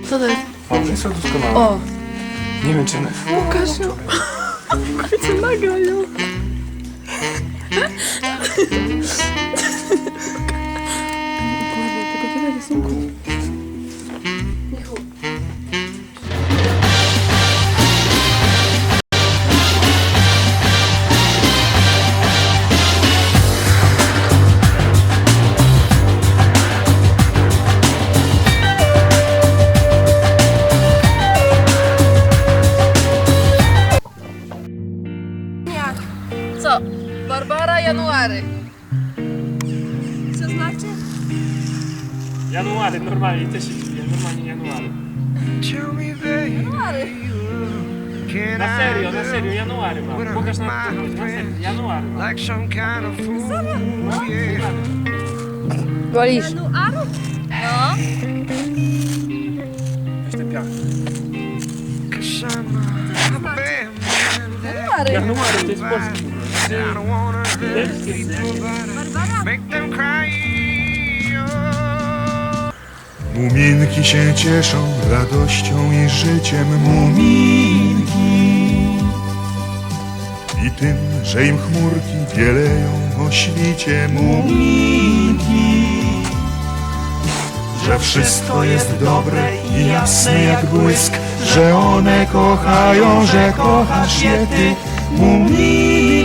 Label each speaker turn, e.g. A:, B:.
A: Co to jest?
B: One są doskonałe.
A: O!
B: Nie wiem, czy one...
A: Łukasz ją. Kobiety nagraj ją. Tylko tyle rysunku. Michu. Co? Barbara January. Co znaczy?
B: January, normalnie, też się dziwię, normalnie January.
A: January.
B: Na serio, January mam. Pokaż na serio, January mam.
A: Wolisz?
C: Januaru? No.
B: Weź ten piach.
A: January.
B: January, to jest polski.
D: Muminki się cieszą radością i życiem, muminki, i tym, że im chmurki bieleją o świcie, muminki, że wszystko jest dobre i jasne jak błysk, że one kochają, że kochasz je ty, muminki.